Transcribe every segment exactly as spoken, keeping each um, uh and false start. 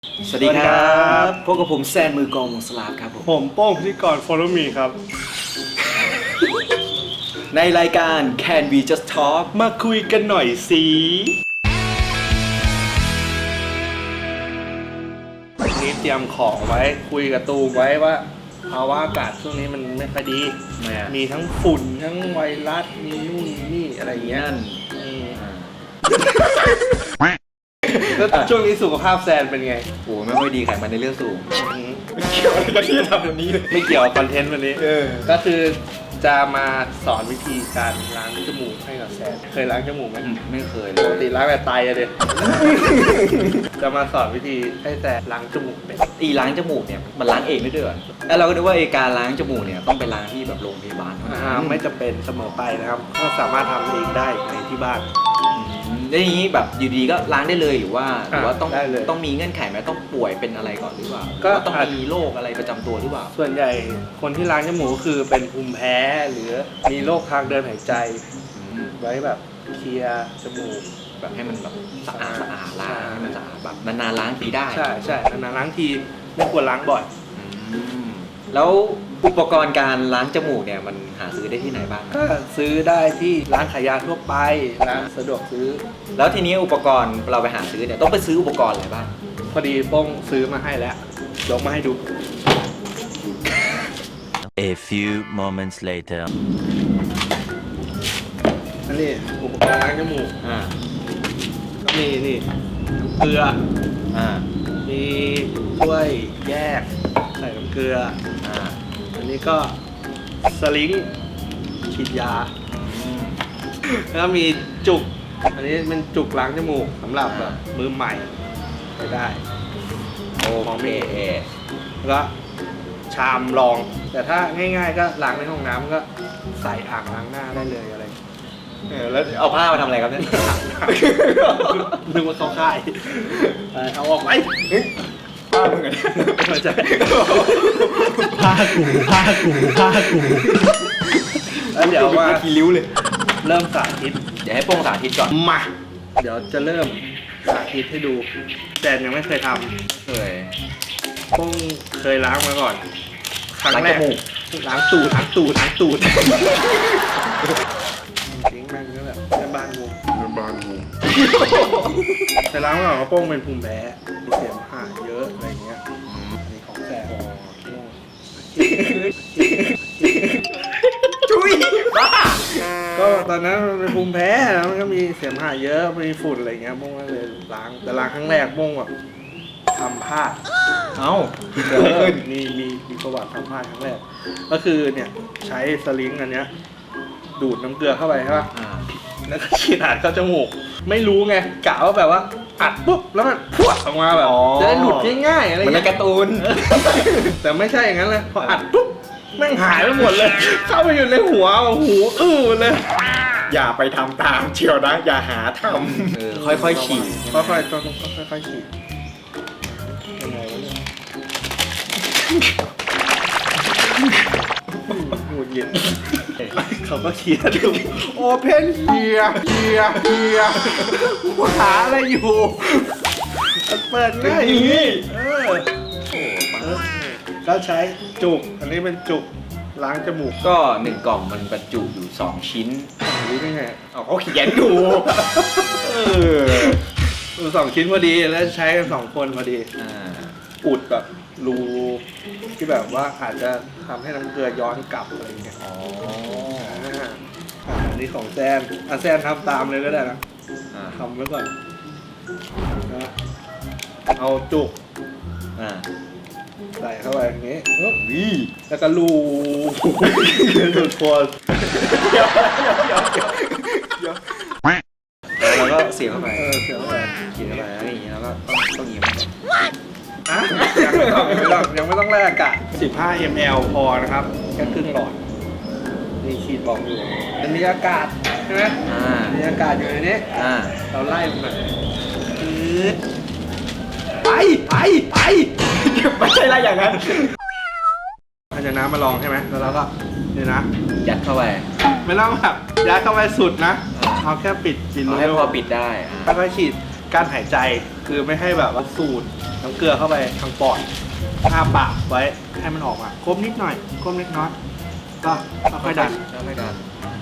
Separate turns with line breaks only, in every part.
สวัสดีครับพบกับผมแซนมือกองวงสลาฟครับผม
ผมโป้งพิธีกร Follow Me ครับ
ในรายการ Can We Just Talk
มาคุยกันหน่อยสิวันนี้เตรียมของไว้คุยกับตูมไว้ว่าภาวะอากาศช่วงนี้มันไม่ค่อยดี มีทั้งฝุ่นทั้งไวรัสมีนู่นมีนี่อะไรอย่างเงี้ย
นั่น
อืมแล้วช่วงนี้สุขภาพแซนเป็นไง
โอ้ไม่ค่อยดีไขมันในเลือดสูง
ไม่เกี่ยวอะไรกับที่จะทำแบบนี้เลยไม่เกี่ยวกับคอนเทนต์วันนี้
เออ
ก็คือจะมาสอนวิธีการล้างจมูกให้กับแซนเคยล้างจมูกไหม
ไม่เคยเล
ปก
ย
ติล้างแบบไตอะเด็ จะมาสอนวิธีให้แซนล้างจมูกเป็น
อีล้างจมูกเนี่ยมันล้างเองได้ด้วยเหรอแล้วเราก็นึกว่าไอการล้างจมูกเนี่ยต้องไปล้างที่แบบโรงพยาบาลเท่านั้น
อ่าไม่จำเป็นเสมอไปนะครับก็สามารถทำเองได้ในที่บ้าน
อืมแล้วอย่างนี้แบบอยู่ดีก็ล้างได้เลยหรือว่าหรือว่าต้อง
ได้เลย
ต้องมีเงื่อนไขไหมต้องป่วยเป็นอะไรก่อนหรือเปล่า
ก็
หรือว่าต้องมีโรคอะไรประจำตัวหรือเปล่า
ส่วนใหญ่คนที่ล้างจมูกก็คือเป็นภูมิแพ้หรือมีโรคทางเดินหายใจ
อืม
ไว้แบบเคลียร์จมูก
แบบให้มันแบบสะอาดสะอาดล้าง
ใช่
ให้มันสะอาดแบบนานๆล้างทีได้
ใช่ใช่นานๆล้างทีไม่ควรล้างบ่อย
อืมแล้วอุปกรณ์การล้างจมูกเนี่ยมันหาซื้อได้ที่ไหนบ้าง
ก็ซื้อได้ที่ร้านขายยาทั่วไปร้านสะดวกซื้อ
แล้วทีนี้อุปกรณ์เราไปหาซื้อเนี่ยต้องไปซื้ออุปกรณ์อะไรบ้าง
พอดีโป้งซื้อมาให้แล้วยกมาให้ดู
A few moments later.
อันนี้อุปกรณ์ล้างจมูก
อ่า
ก็มีนี่น้ำเกลือ
อ่า
มีถ้วยแยกใส่น้ำเกลือ
อ่า
อันนี้ก็สลิงฉีดยา
อืม
แล้วก็มีจุก อันนี้เป็นจุกล้างจมูกสำหรับแบบมือใหม่ใช้ได้
โอเค
แล้วก็ชามรอง แต่ถ้าง่ายๆก็ล้างในห้องน้ำก็ใส่อ่างล้างหน้าได้เลยอะไร
เออแล้วเอาผ้ามาทำอะไรครับเนี่ย
นึกว่าเขาค่ายไปเอาออกไป
ผ้ามึงอะ
ไม่ใช่
ผ้ากูผ้ากูผ้ากู
แล้วเดี๋ยวว่า
ทีริ้วเลย
เริ่มสาธิต
เดี๋ยวให้โป้งสาธิตก่อน
มา เดี๋ยวจะเริ่มสาธิตให้ดู แต่ยังไม่เคยท
เคย
ำต้องเคยล้างมาก่อน ครั้งแรก
ล้างจมูก
ล้างตูดล้างตูดล้างตูดจริงแม่งก็แบบแม่บ้านงูแม่บ้านงูแต่ล้างมาก่อนว่าโป้งเป็นภูมิแพ้มีเสียมหาเยอะอะไรเงี้ยอันนี้ของแสบ
จุ้ยบ้า
ก็ตอนนั้นมันเป็นภูมิแพ้แล้วมันก็มีเสียมหาเยอะมีฝุ่นอะไรเงี้ยโป้งก็เลยล้างแต่ล้างครั้งแรกโป้งแบบทำพลาด
เอ้า
เออมีมีมีประวัติทำพลาดครั้งแรกก็คือเนี่ยใช้สลิงอันเนี้ยดูดน้ำเกลือเข้าไปใช่ป่ะ
อ่า
แล้วก็ฉีดอัดเข้าจมูกไม่รู้ไงกะว่าแบบว่าอัดปุ๊บแล้วมันพรวดออกมาแบบจะได้หลุดง่ายๆอะไร
มันใน
เงี้ย
การ์ตูน
แต่ไม่ใช่อย่างนั้นเลยพออัดปุ๊บแม่งหายไปหมดเลย เข้าไปอยู่ในหัวหูอื้อเลย
อย่าไปทำตามเชียวนะ อย่าหาท
เออค่อยๆฉีด
ค่อยๆต้องค่อยๆฉีดยังไงวะเนี่ยหงุดหงิดเขาก็เขียนดูโอเพนเฮียเฮียเฮียหาอะไรอยู่มันเปิดง่ายอย่างนี้เออเออก็ใช้จุก อันนี้เป็นจุกล้างจมูก
ก็หนึ่งกล่องมันบรรจุอยู่สองชิ้น
รู้ได้ไง
เอาเขาเขียนดูเออ
เออสองชิ้นพอดีแล้วใช้กันสองคนพอดี
อ่า
อุดแบบรูที่แบบว่าอาจจะทำให้น้ำเกลือย้อนกลับอะไรเงี้ย
อ๋อ
อ่าอ่าอันนี้ของแซนอ่ะแซนทำตามเลยก็ได้นะ
อ่า
ทำไว้ก่อนนะเอาจุก
อ่า
ใส่เข้าไปอย่างงี้
วิ
แล้วก็ลูสุดโคน
แล้วก็เสียบเข้าไป
เออเสียบเข้าไป
เขียนเข้าไปแล้วอย่างนี้แล้วก็ต้องต้องอย่างนี้มัน
อ่ะยังไม่ต้องยังไม่ต้องยังไม่ต้องแลกอากาศสิบห้ามิลลิลิตร พอนะครับแค่ครึ่งหลอดนี่ขีดบอกอยู่มันมีอากาศใช่ไหม
อ่า
มีอากาศอยู่ในนี้
อ่า
เราไล่มันหน่อยอืดไปไปไป
ไม่ใช่อะไรอย่างนั้น
ภาชนะมาลองใช่ไหมแล้วเราก็นี่นะ
ยัดเข้าไป
ไม่ต้องแบบยัดเข้าไปสุดนะ
อ่า
เอาแค่ปิดปิด
เอา
รู
ให้พอปิดได้อ่า
แล้วก็ฉีดการหายใจคือไม่ให้แบบว่าสูดน้ำเกลือเข้าไปทางปอดอ้าปากไว้ให้มันออกมาคมนิดหน่อยคมเล็กน้อยก็ค่อยๆดัน
ค่อยๆดัน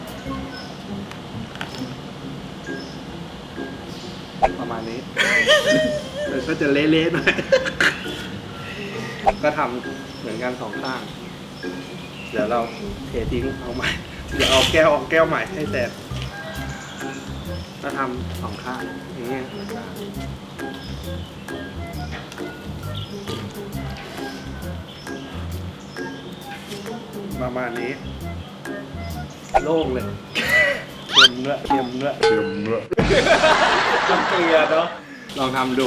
ประมาณนี้ มันก็จะเละๆหน่อยก็ทำเหมือนกันสองข้างเดี๋ยวเราเททิ้งเอาใหม่เดี๋ยวเอาแก้วเอาแก้วใหม่ให้แตกก็ทำสองข้างอย่างเงี้ยประมาณนี้โล่งเลยเค็มด้วยเค็มด้วยเค็มด้วย
น้ำเกลือเนาะ
ลองทำดู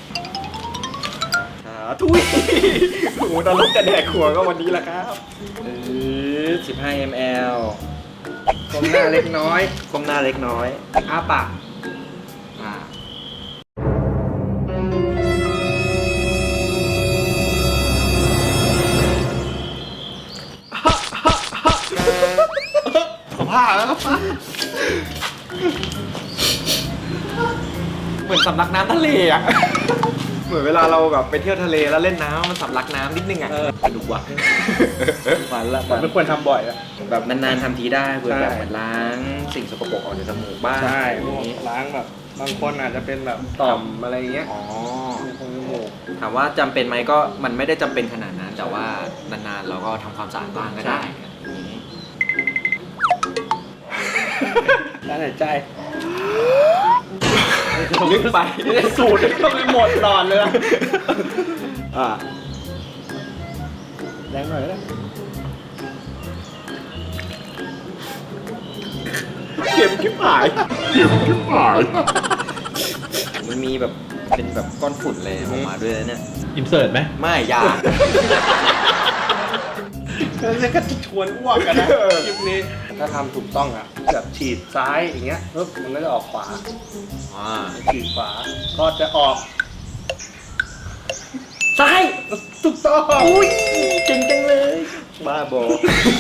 อ่าทุยโอ้โหนรกจะแดกขัวก็วันนี้แหละครับ
เออสิบห้ามิลลิลิตร
ก้มหน้าเล็กน้อย
ก้มหน้าเล็กน้อย
อ้าปากอ่าขอผ้าแล้ว
เหมือนสำลักน้ำทะเลอ่ะ เหมือนเวลาเราแบบไปเที่ยวทะเลแล้วเล่นน้ำมันสำลักน้ำนิดนึงอ่ะสนุกว่ะมันละ
มันไม่ควรทำบ่อยอะ
แบบนานๆทำทีได้เพื่อ
ใช่
แบบเหมือนล้างสิ่งสกปรกออกจากจมูกบ้าง
ใช่
อ
พว
ย่าก งนี้
ล้างแบบบางคนอาจจะเป็นแบบต่อมอะไรเงี้ย
อ๋อ
ในโพรงจมูก
ถามว่าจำเป็นไหมก็มันไม่ได้จำเป็นขนาดนั้น แต่ว่านานๆเราก็ทำความสะอาดบ้างก็ได้อย่างนี้
ด้านหายใจ
ลึกไป
สูตรก็ไม่หมดหลอดเลยนะอ่าแรงหน่อยก็ได้
เข็มชิบหายเข็มชิบหาย
มันมีแบบเป็นแบบก้อนฝุ่นเลยออกมาด้วยนะเนี่ย
อินเสิร์ตไหม
ไม่อยา
แล้วก็จะชวนอ้วกกันนะคลิปนี้ถ้าทำถูกต้องอ่ะแบบฉีดซ้ายอย่างเงี้ยปุ๊บมันก็จะออกขวา
อ่า
ฉีดขวาก็จะออก
ซ้าย
ถูกต้อง
อุ้ยเก่งจังเลย
บ้าบอ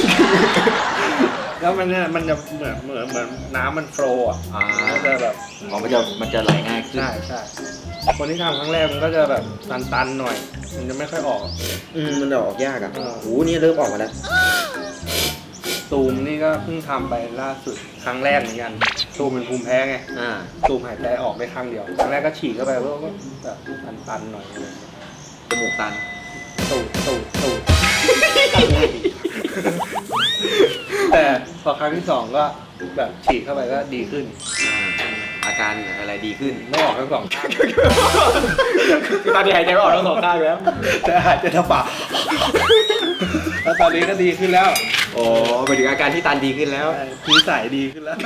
แล้วมันเนี่ยมันจะเหมือนเหมือนเหมือนน้ำมันโฟลว์อ่ะ
อ่า
ก็จะแบบ
อ๋อมันจะมันจะไหลง่ายขึ้น
ใช่ใช่คนที่ทำครั้งแรกมันก็จะแบบตันๆหน่อย มันจะไม่ค่อยออก
อืมมันจะออกยากอ่ะ
เออ
โอ้โหนี่เริ่มออกมาแล้ว
ตูมนี่ก็เพิ่งทำไปล่าสุดครั้งแรกเหมือนกันตูมเป็นภูมิแพ้ไง
อ่า
ตูมหายใจออกได้ครั้งเดียวครั้งแรกก็ฉีดเข้าไปแล้วก็แบบตันๆหน่อยอะไรเงี้ย
จมูกตัน
ตูดตูดตูดแต่พอครั้งที่สองก็แบบฉีดเข้าไปก็ดีขึ้น
อ่าอาการอะไรดีขึ้น
ไม่ออกทั้งสองข้าง
ตอนนี้หายใจไม่ออกทั้งสองข้างแล้ว
แต่หายใจทางปากแล้วตอนนี้ก็ดีขึ้นแล้ว
โอ้ไปถึงอาการที่ตันดีขึ้นแล้ว
นิสัยดีขึ้นแล้ว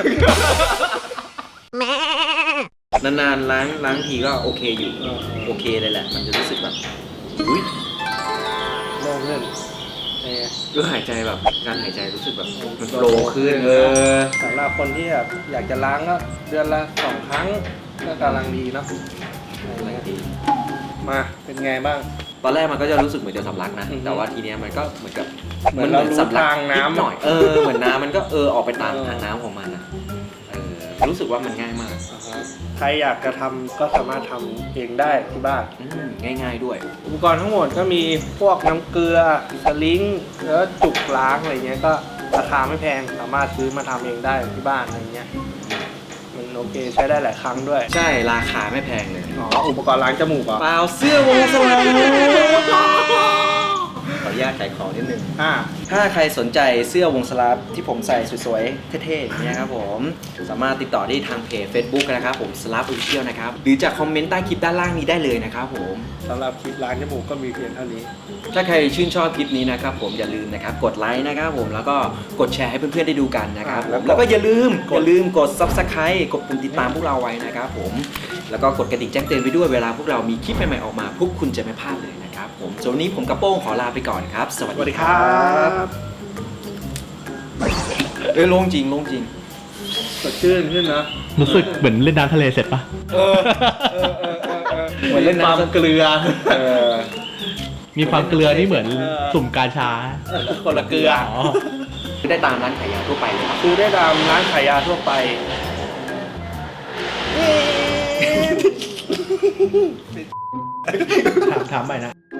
นานๆล้างล้างทีก็โอเคอยู่
เออ
โอเคเลยแหละ มันจะรู้สึกแบบอุ้ย
โล่งขึ้นเออ
เรื่องหายใจแบบการหายใจรู้สึกแบบมันโฟลว์ขึ้นเออ
สำหรับคนที่แบบอยากจะล้างก็เดือนละสองครั้งก็กำลังดีเนาะ
อะไรก็ดี
มาเป็นไงบ้าง
ตอนแรกมันก็จะรู้สึกเหมือนจะสำลักนะ
อือฮึ
แต่ว่าทีเนี้ยมันก็เหมือนกับ
เหมือนเรารู้
สำลัก
ทางน้ำ
ดหน่อย เออ เหมือนน้ำมันก็เออออกไปตาม
เออ
ทางน้ำของมันนะเออ รู้สึกว่ามันง่ายมาก
อ่าฮะใครอยากจะทำก็สามารถทำเองได้ที่บ้าน
อืมง่ายๆด้วย
อุปกรณ์ทั้งหมดก็มีพวกน้ำเกลือสลิงแล้วจุกล้างอะไรเงี้ยก็ราคาไม่แพงสามารถซื้อมาทำเองได้ที่บ้านอะไรเงี้ยมันโอเคใช้ได้หลายครั้งด้วย
ใช่ ราคาไม่แพงเลย
อ๋ออุปกรณ์ล้างจมูกเหรอ
เปล่าเสื้อวงสวรรค์ขออนุญาตขายของนิดนึง
อ่า
ถ้าใครสนใจเสื้อวงสลับที่ผมใส่สวยๆ เท่ๆอย่างเงี้ยครับผม สามารถติดต่อได้ทางเพจ Facebook นะครับผมสลับออฟฟิเชียลนะครับ หรือจะคอมเมนต์ใต้คลิปด้านล่างนี้ได้เลยนะครับผม
สำหรับคลิปล้างจมูกก็มีเพียงเท่านี้
ถ้าใครชื่นชอบคลิปนี้นะครับผมอย่าลืมนะครับกดไลค์นะครับผมแล้วก็กดแชร์ให้เพื่อนๆได้ดูกันนะครับผมแล้วก็อย่าลืมอย่าลืมกด ซับสไครบ์ กดปุ่มติดตามพวกเราไว้นะครับผมแล้วก็กดกระดิ่งแจ้งเตือนไว้ด้วยเวลาพวกเรามีคลิปใหม่ๆออกมาพวกคุณจะไม่พลาดเลยนะครับผมส่วนวันนี้ผมกับโป้งขอลาไปก่อนครับ สวัส
สวัส
ดี
ดี
ค
ค
รั
รับ บ
เอ้ยโล่งจริงโล่งจริง
สดชื่นขึ้นนะ
รู้สึกเหมือนเล่นน้ำทะเลเสร็จปะ
เออเออเออเออเออ
เหมือนเล่นน้ำ
ความเกลือ
เออ
มีความเกลือนี่เหมือน
เออ
สุ่มกาชา
คนละเกลือ
อ๋อ
ได้ตามร้านขายยาทั่วไปเลยครับ
ซื้อได้ตามร้านขายยาทั่วไป
ถามถามใหม่นะ